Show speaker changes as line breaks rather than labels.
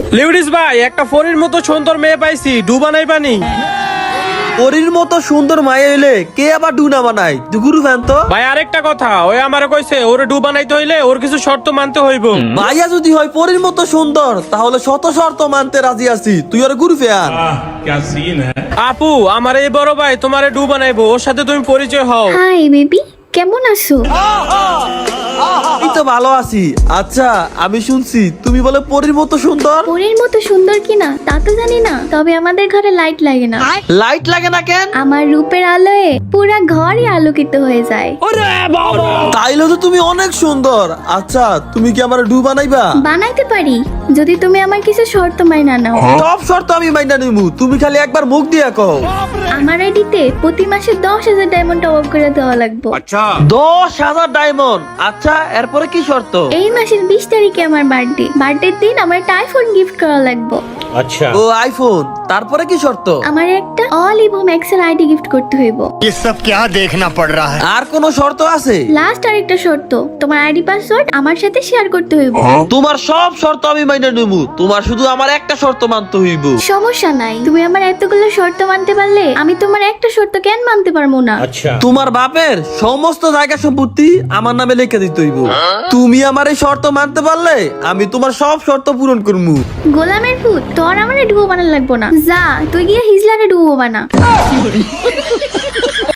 লিউডিস ভাই, একটা ফরির মতো সুন্দর মেয়ে পাইছি, ডু বানাই পানি।
পরীর মতো সুন্দর মায়ে হইলে কে আবার ডুনা বানায়? তুই গুরু ফ্যান তো।
ভাই আরেকটা কথা, ওই আমারে কইছে ওরে ডু বানাইতে হইলে ওর কিছু শর্ত মানতে হইব।
মাইয়া যদি হয় পরীর মতো সুন্দর তাহলে শত শর্ত মানতে রাজি আছি। তুই আর গুরু ফ্যান।
क्या सीन है।
আপু, আমার এই বড় ভাই তোমারে ডু বানাইবো, ওর সাথে তুমি পরিচয় হও।
হাই বেবি, কেমন আছো?
এই তো ভালো আছি। আচ্ছা, আমি শুনছি তুমি বলে পরীর মতো সুন্দর।
পরীর মতো সুন্দর কিনা তা তো জানি না, তবে আমাদের ঘরে লাইট লাগে না।
লাইট লাগে না কেন?
আমার রূপের আলোয় পুরা ঘরই আলোকিত হয়ে যায়।
তাইলে তো তুমি অনেক সুন্দর। আচ্ছা, তুমি কি আমার ডু বানাইবা?
বানাইতে পারি যদি তুমি আমার কিছু শর্ত মাইনা নাও।
সব শর্ত আমি মাইনা নিমু, তুমি খালি একবার মুখ দিয়া কও।
আমার আইডিতে প্রতি মাসে 10,000 ডায়মন্ড টপ আপ করে দেওয়া লাগবে।
10,000 ডায়মন্ড। আচ্ছা, এরপরে কি শর্ত?
এই মাসের 20 তারিখে আমার বার্থডের দিন আমার একটা আইফোন গিফট করা লাগবে।
ও আইফোন। তারপরে কি শর্ত?
আমার একটা অল ইভো ম্যাক্সের আইডি গিফট করতে হইব।
ये सब क्या देखना पड़ रहा है।
আর কোন শর্ত আছে?
লাস্ট আরেকটা শর্ত, তোমার আইডি পাসওয়ার্ড আমার সাথে শেয়ার করতে হইব।
তোমার সব শর্ত আমি মাইনা নিমু, তোমার শুধু আমার একটা শর্ত মানতে হইব।
সমস্যা নাই, তুমি আমার এতগুলো শর্ত মানতে পারলে আমি তোমার একটা শর্ত কেন মানতে পারবো না?
তোমার বাপের সমস্ত জায়গা সম্পত্তি আমার নামে লিখে দিতে হইব। তুমি আমার এই শর্ত মানতে পারলে আমি তোমার সব শর্ত পূরণ করবো।
গোলামের ফুট, তোর আমার ডুবো বানার লাগবো না। যা তুই গিয়ে হিজলারে ডুবো বানা।